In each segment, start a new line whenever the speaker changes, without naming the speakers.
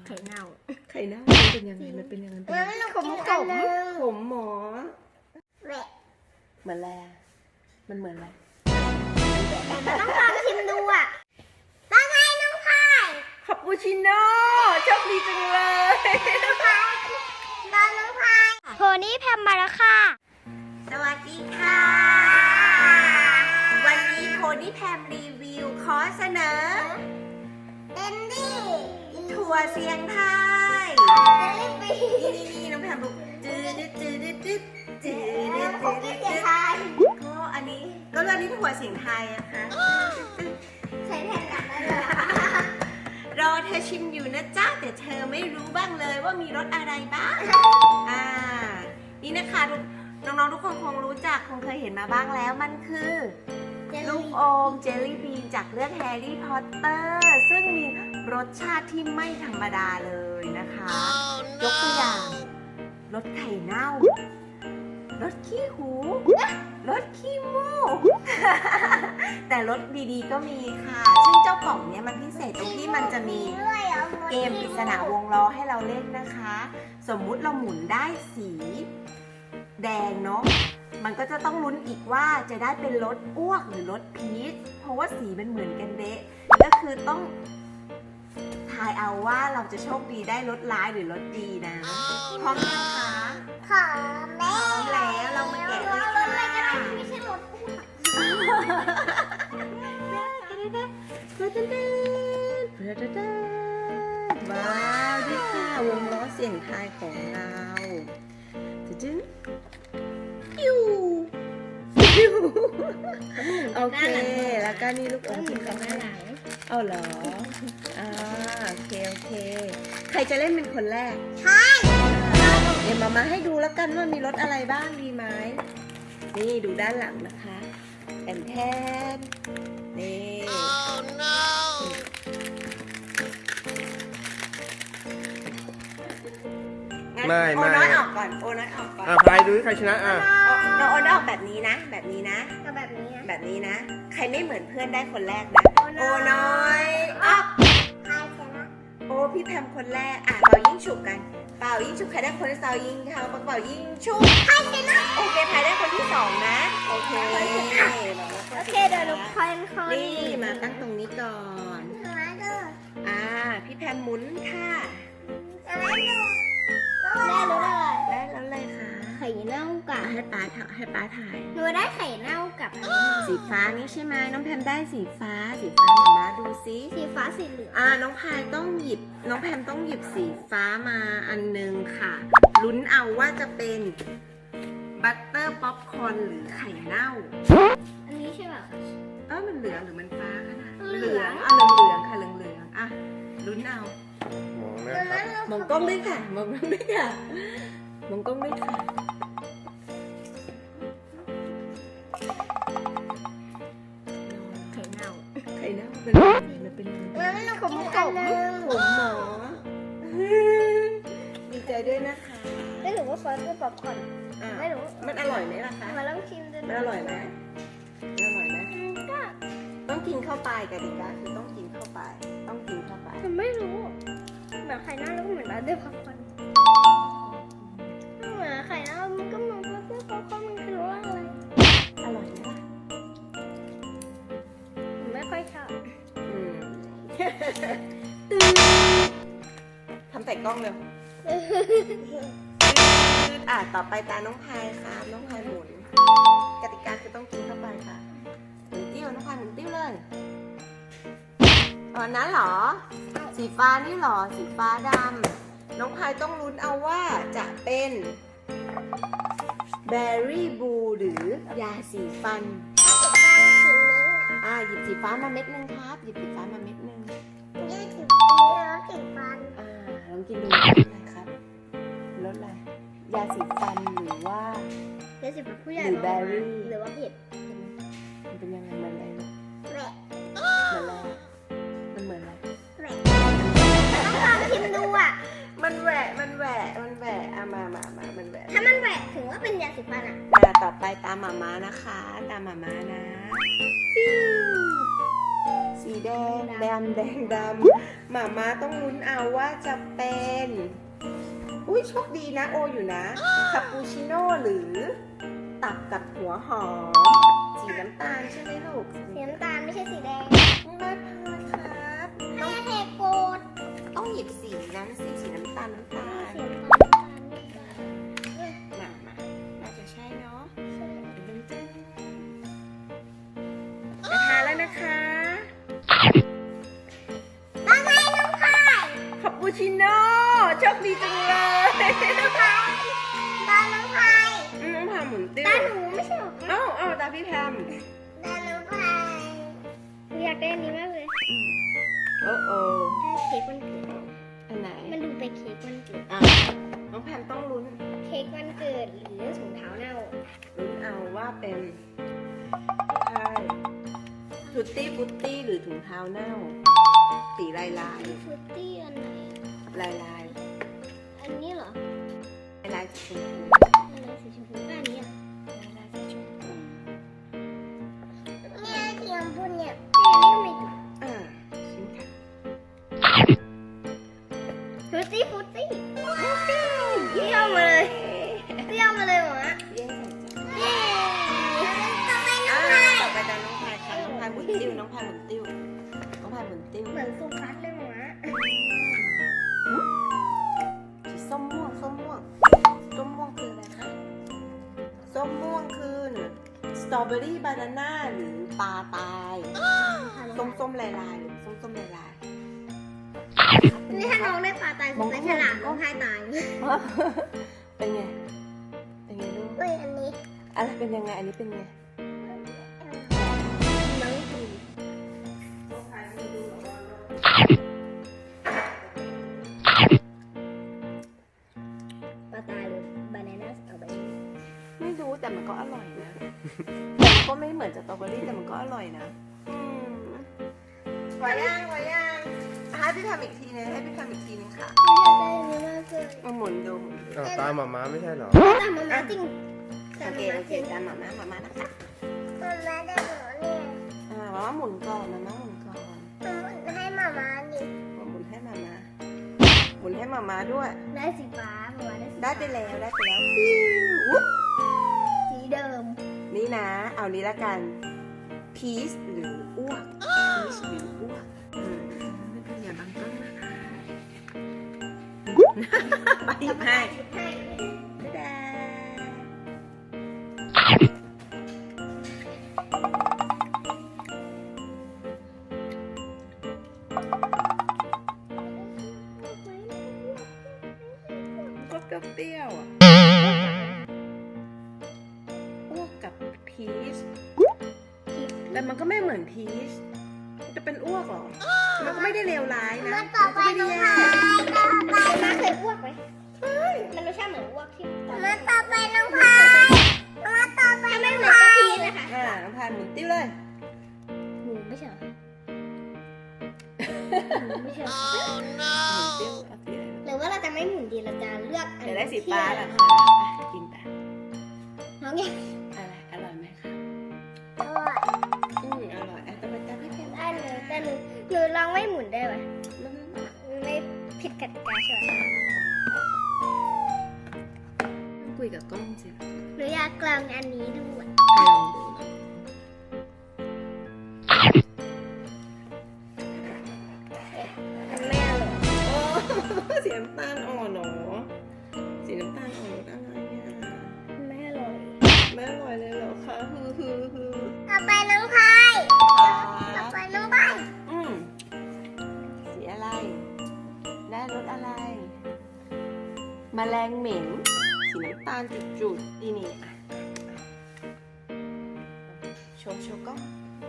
ไข่เน่า
มันเป็นยังไงมันเป็นยังไงขมหมอเหมือนอะไรมันเหมือนอะไร
ต้องลองชิมดูอ่ะว่าไงน้องพาย
คาปูชิโน่โชคดีจังเลย
น้องพายโพนี่แพมมาแล้วค่ะ
สวัสดีค่ะวันนี้โพนี่แพมรีวิวขอเสนอ
เอนดี้
ถั่วเสียงไทยนี่น้องแพมดูจืดก็อันนี้ก็เรื่องนี้ถั่วเสียงไทยอะค่ะ
ใช้แทนกันได้เลย
รอเธอชิมอยู่นะจ๊ะแต่เธอไม่รู้บ้างเลยว่ามีรสอะไรบ้างนี่นะคะน้องๆทุกคนคงรู้จักคงเคยเห็นมาบ้างแล้วมันคือลูกอมเจลลี่บีนจากเรื่องแฮร์รี่พอตเตอร์ซึ่งมีรสชาติที่ไม่ธรรมดาเลยนะคะยกตัวอย่างรสไข่เน่ารสขี้หูรสขี้มูกแต่รสดีๆก็มีค่ะซึ่งเจ้ากล่องเนี้ยมันพิเศษตรงที่มันจะมีเกมปริศนาวงล้อให้เราเล่นนะคะสมมุติเราหมุนได้สีแดงเนาะมันก็จะต้องลุ้นอีกว่าจะได้เป็นรสอ้วกหรือรสพีชเพราะว่าสีมันเหมือนกันเดะก็คือต้องทายเอาว่าเราจะโชคดีได้รสร้ายหรือรสดีนะพร้อมยังคะ
พร้อม
แล้วเรามาแกะเลยค่ะ
ไม่ใช่รสอ้ว
กว้าวดิค่ะวงล้อเสียงทายของเราจึ๊งยูโอเคแล้วก็นี่ลูกอมที่เขาให้เอาเหรอโอเคใครจะเล่นเป็นคนแรก
ใช่
เดี๋ยวมาให้ดูแล้วกันว่ามีรสอะไรบ้างดีไหมนี่ดูด้านหลังนะคะแอนแทนนี่ oh, no.
ไม่
โอน้อยออกก่อน
ใครดูใครชนะ
เราโอน้อยออกแบบนี้นะแบบนี้นะใครไม่เหมือนเพื่อนได้คนแรกนะโอน้อยออกโอ้พี่แพมคนแรกเป่ายิ่งฉุกกันเป่ายิ่งฉุกใครได้คนที่สองยิงเขาเป่ายิ่งฉุก
ใครชนะ
โอเคใครได้คนที่สองนะโอเค
เดี๋ยวเราคน
นี่มาตั้งตรงนี้ก่อนพี่แพมหมุนค่ะ
ได้รู้เลย
ได้แล้วเลยค่ะ
ไข่เน่ากับ
ให้ป้าถ่าย
หนูได้ไข่เน่ากับ
สีฟ้านี่ใช่ไหมน้องแพมได้สีฟ้ามาดูซิ
สีฟ้าสีเหลือง
น้องแพมต้องหยิบสีฟ้ามาอันนึงค่ะลุ้นเอาว่าจะเป็นบัตเตอร์ป๊อปคอร์นหรือไข่เน่า
อันนี้ใช่ไหม
มันเหลืองหรือมันฟ้าคะนะเหลืองค่ะเหลืองลุ้นเอามองกล้องด้วยค่ะมองกล้องด้วยค่ะไข่เน่ามันเป็น
ขม
หมอดีใจด้วยนะคะ
ไม่รู้ว่าซอสคือป๊อปคอร์นไม่รู้
มันอร่อยไหมล่ะคะ
มาลองชิมดู
มันอร่อยไหมต้องกินเข้าไปกติกาคือต้องกินเข้าไป
มันไม่รู้แบบไข่เน่าแล้วก็เหมือนร้านเดือดป๊อปคอร์นเหมือนไข่เน่ามันก็เหมือนเพื่อป๊อปคอร์นมันคือว่าอะไร
อร่อยไหมล่ะ
ผมไม่ค่อยชอบ
ทำใส่กล้องเร็วต่อไปตาน้องพายค่ะน้องพายหมุนกติกาคือต้องกินเข้าไปค่ะหมุนติ้วน้องพายหมุนติ้วเลยนั้นเหรอสีฟ้านี่เหรอสีฟ้าดำน้องพายต้องลุ้นเอาว่าจะเป็นเบอร์รี่บูหรือยาสีฟันหยิบสีฟ้ามาเม็ดนึงครับหยิบสีฟ้ามาเม็ดนึง
สีฟัน
ลองกินดูนะครับรสอะไรยาสีฟันหรือว่าย
าสีฟันผู้ใหญ่
หรือเบอร์รี่
หรือว่าเผ็ด
มันเป็นยังไงมันอะไรมันเหมือนอะไร
ต้องลองชิมดู
มันแหวะมามันแหวะ
ถ้ามันแหวะถึงว่าเป็นยาสีฟัน
ต่อไปตามหมาม้านะคะตามหมาม้านะสีแดงแดงหมาม้าต้องลุ้นเอาว่าจะเป็นอุ้ยโชคดีนะโออยู่นะคาปูชิโน่หรือตับกับหัวหอมสีน้ำตาลใช่ไหมลูก
สีน้ำตาลไม่ใช่สีแดง
ไม่พลาดครับ
ให้เทโกด
ต้องหยิบสีนั้นสีน้ำตาล
สีน้ำตาล
มาน่าจะใช่เนาะ
ใช่
จะทานแล้วนะคะ
ว่าไงน้องพาย
คาปูชิโน่โชคดีจังเลย
น้องพายตาน้องพาย
น้องพาหมุนติ้ว
ตาหนูไม่ใช่หรอ
เอาตาพี่แพม
ตาน้องพายหนูอยากได้อันนี้มากเลย
โอ้โอ
ได้เค้กวันเกิด
อันไหน
มันดูไปนเค้กวันเกิด
อ่ะน้องแพมต้องลุ้น
เค้กวันเกิดหรือถุงเท้าเน่า
ลุ้นเอาว่าเป็นใช่ฟุตตี้หรือถุงเท้าเน่า สีลาย
ฟรุตตี้อันไหน
ลายลาย
อันนี้เหรอ
ลายสีชมพู
อันไหนสีชมพูก็อันนี้อ่ะ
ลายสีชมพู
เนี่ยสีชมพูเนี่ยนี่ก็ไม่ถูก
ชิมค่ะ
ฟรุตตี้เยี่ยมมาเลยเยี่ยมมาเลยหมอ
เย้
เย้ต่อไปน้
อ่า
องพาย
ต่อไปตามน้องพายค่ะน้องพายหมุนติ้วน้องพายหมุนติ้ว
เหมือนสุพัฒน์เลยหมอ
สีส้มม่วงคืออะไรคะส้มม่วงคือสตรอเบอรี่บานาน่าหรือปลาตายส้มลายหรือส้มลาย
นี่ถ้าน้องได้ปลาตายคือเป็นฉลามร้องไห้ตาย
เป็นไงลูก
เฮ้ยอันนี้
อะไรเป็นยังไงอันนี้เป็นไง
มังคุดปลาตายหรือบานาน่าสตรอเบอรี่
ไม่รู้แต่มันก็อร่อยนะแต่มันก็ไม่เหมือนสตรอเบอรี่แต่มันก็อร่อยนะไหวยังให้พี่ทำอีกทีนึงค่ะ
ไม่อยากได้อันนี้มากเลย
มาหมุนดู
อ้าวตามหมาม้าไม่ใช่เหรอ
แต่มาม่าจริง
โอเคตามหมาม้านะคะ
มาม่าได้หมอเนี่ย
มาม่าหมุนก่อน
ให้มาม่าดิ
หมุนให้มาม่าด้วย
ได้สีฟ้ามาม่าได้สี
ได้ไปแล้วอุ๊บ
สีเดิม
นี่นะ เอานี้ละกัน พีชหรืออ้วกไม่เป็นอย่าบังต้นนะคะไปหยิบให้
ให้
บ๊ายบายก็เปรี้ยวอ่ะอ้วกกับพีชแต่มันก็ไม่เหมือนพีชจะเป็นอ้วกเหรอมันก็ไม่ได้เลวร้ายนะ
มาต่อไป
มันก็
น้
ไม่
อง
ได้
พาย
แย่
มาเคยอ้วกไหมมันรสชาติเหมือนอ้วกที่มาต่อไปน้องพายมาต่อไปไม่เหมือนกะทินะคะ
น้องพายหมุนติ้วเลย
หมูไม่ใช่เหรอหมูไม่ใช่เหรอ
หมุนติ้วเอาสีอะไร
หรือว่าเราจะไม่หมุนดีเราจะเลือกอัน
เดี๋ยวได้สีฟ้าแล้ว
ที่
ค่ะกินไป
น้องเนี่ย
อะไรอร่อยไหมคะ
อร่อย
อร่อยแต่ไปจ้าพี่เพน
ได้เลยแต่หนูลองไม่หมุนได้ไหมไม่ผิดกติกาใช่ไหม
คุยกับกล้องสิ
หนูอยากกลางอันนี้ด้วย
ลองดู
ไม่อร่อย
โอ้สีน้ำตาลอ่อนเหรอสีน้ำตาลอ่อนรสอะไรอ่ะ
ไม่อร่อย
ไม่อร่อยเลยเหรอคะฮือ
ต่อไปน้องพาย ต่อไปน้องพาย
สีอะไร ได้รสอะไร แมลงเหม็น สีน้ำตาลจุดๆนี่อ่ะโชว์ก็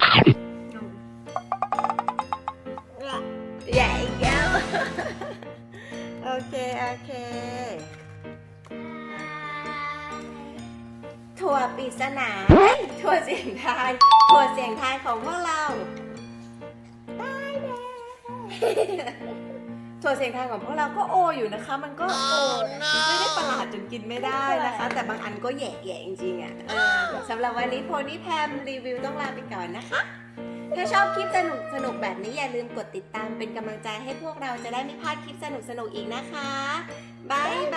ใหญ่อีกแล้ว โอเค ถั่วปริศนาถั่วเสียงทายของพวกเราถั่วเสียงทายของพวกเราก็โออยู่นะคะ มันก็โอไม่ได้ประหลาดจนกินไม่ได้นะคะ แต่บางอันก็แย่จริงๆอ่ะสำหรับวันนี้โพนี่แพมรีวิวต้องลาไปก่อนนะคะถ้าชอบคลิปสนุกแบบนี้อย่าลืมกดติดตามเป็นกำลังใจให้พวกเราจะได้ไม่พลาดคลิปสนุกอีกนะคะบ๊ายบ